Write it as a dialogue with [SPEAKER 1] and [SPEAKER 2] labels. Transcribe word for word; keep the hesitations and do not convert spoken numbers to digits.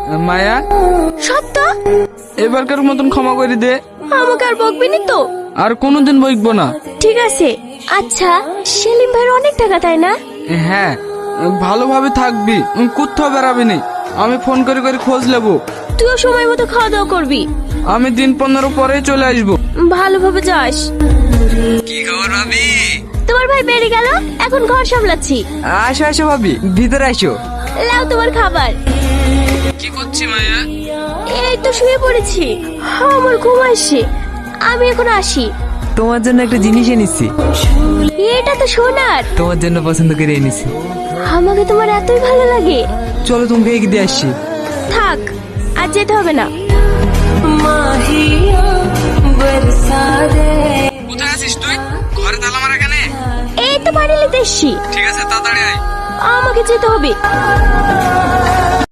[SPEAKER 1] মায়া,
[SPEAKER 2] সত্য?
[SPEAKER 1] এবারকার মতন ক্ষমা করে দে।
[SPEAKER 2] আমাকে আর বকবি না তো?
[SPEAKER 1] আর কোনোদিন বইকবো না।
[SPEAKER 2] ঠিক আছে। আচ্ছা, সেলিম ভাইয়ের অনেক টাকা তাই না?
[SPEAKER 1] হ্যাঁ, ভালোভাবে থাকবি, কোথাও বেড়াবি নি। আমি ফোন করে করে খোঁজ নেবো।
[SPEAKER 2] তুইও সময় মতো খাওয়া দাওয়া করবি।
[SPEAKER 1] আমি দিন পনেরো পরেই চলে আসবো।
[SPEAKER 2] ভালোভাবে যাস।
[SPEAKER 1] কি খবর ভাবি?
[SPEAKER 2] তোমার ভাই বেরিয়ে গেল, এখন ঘর সামলাচ্ছি।
[SPEAKER 1] আসো আসো ভাবি, ভিতরে আসো।
[SPEAKER 2] লাও তোমার খাবার।
[SPEAKER 1] কি করছি মায়া?
[SPEAKER 2] এই তো শুয়ে পড়েছি, আমার ঘুম আসছে। আমি এখন আসি।
[SPEAKER 3] তোমার জন্য একটা জিনিস এনেছি।
[SPEAKER 2] এটা তো সোনার।
[SPEAKER 3] তোমার জন্য পছন্দ করে এনেছি।
[SPEAKER 2] আমাকে তোমার এতই ভালো লাগে।
[SPEAKER 3] চলো তোমাকে এগিয়ে দিয়ে আসছি।
[SPEAKER 2] থাক, আর যেতে হবে না।
[SPEAKER 1] কোথায় আছিস তুই? ঘরে তালা মারা কেন?
[SPEAKER 2] এই তো বাড়ি নিতে এসছি।
[SPEAKER 1] ঠিক আছে, তাড়াতাড়ি আয়।
[SPEAKER 2] আমাকে যেতে হবে।